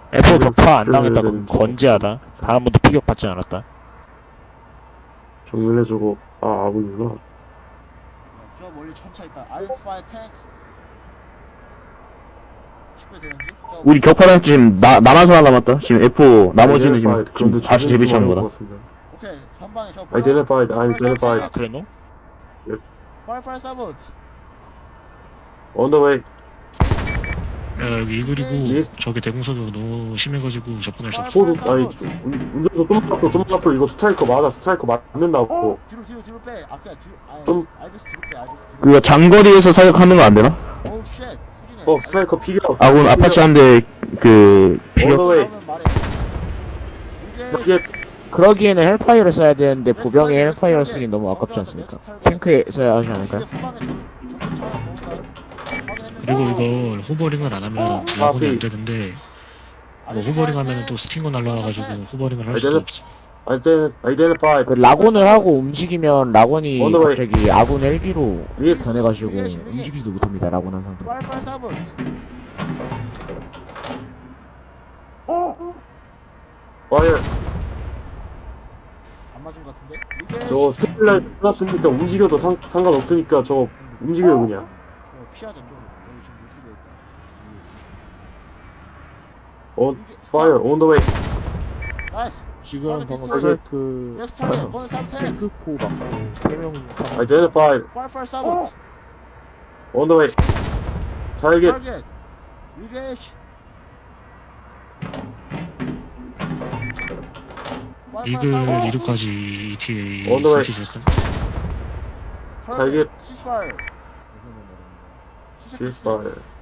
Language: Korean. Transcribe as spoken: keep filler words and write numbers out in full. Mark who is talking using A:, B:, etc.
A: 에프 격파 안
B: 그
A: 당했다고
B: 렌즈.
A: 건재하다. 단 한 번도 피격 받지 않았다.
B: 정면해주고 아 아군이구나.
C: 저 멀리 천차 있다. Identify tank. 십 배 되는지? 저
D: 우리 격파단 지금 나 나만 사람 남았다. 지금 에프 나머지는 지금
B: Identified.
D: 지금
B: 그런데
D: 다시
B: 조준 좀
D: 재배치하는
B: 어려울
D: 거다.
B: 것 같습니다.
C: 오케이 전방에 저
B: Identified, identified.
A: 아, 그랬노?
C: Fire fire sabot.
B: On the way.
E: 야, 여기 이글이고
B: 예.
E: 저기 대공사가 너무 심해가지고 접근할 수 없어.
B: 소도 아니 운- 운전수 좀만 앞으로 좀만 앞으로 이거 스트라이커 맞아 스트라이커 맞는다고.
C: 뒤로 뒤로 뒤로 빼. 아 그냥 뒤로. 아
B: 좀-
C: 알베스 뒤로 빼. 알베스 뒤로.
D: 그거 장거리에서 사격하는 거 안 되나?
C: 오우 쉣. 후진해.
B: 어 스트라이커 피겨.
D: 아군 아파치 한 대 그
B: On the
D: 피격.
B: way.
C: 그러면 말해.
B: 이게
C: 이게
A: 그러기에는 헬파이어를 써야 되는데
C: 넥스트
A: 보병에
C: 타겟,
A: 헬파이어를
C: 넥스트
A: 쓰긴
C: 타겟.
A: 너무 아깝지
C: 먼저
A: 않습니까?
C: 넥스트 타겟.
A: 탱크에 써야 하지 않을까요?
C: 이게 후방에 전 전기차 하나 더 온다. 확인했는데.
E: 그리고 이걸 호버링을 안 하면 야근이 안 되는데 뭐 호버링 하면은 또 스팅거 날라와가지고 호버링을 할 수도 없어.
B: 아이덴 아이덴티파이.
A: 그 라곤을 하고 움직이면 라곤이
B: 어느 거에-
A: 갑자기 아군 헬기로
B: 위에
A: 변해가지고
C: 위에, 위에.
A: 움직이지도 못합니다. 라곤 한 상태.
C: Fire fire sabot.
B: 와이어.
C: 안 맞은 것 같은데. 이게
B: 저 스틸라이 끝났으니까 움직여도 상, 상관없으니까 저 움직여요 그냥.
C: 어, 피하자 좀. 여기 지금 노출돼 있다.
B: On fire on the way.
C: 나이스.
A: 지금
C: 방금
A: 방금
C: 디스토리.
A: 트라이크
C: 넥스트 타겟. 번호 삼 탱.
A: 탱크포 맞고 세명 사망.
B: Identify
C: Fire fire sabot.
B: on the way. target.
C: 타겟. 위게시.
E: 이글 이륙까지 이티에이
B: On the way.
E: 시티즈였던.
B: 타겟.
C: 시스파이어.
B: Ceasefire.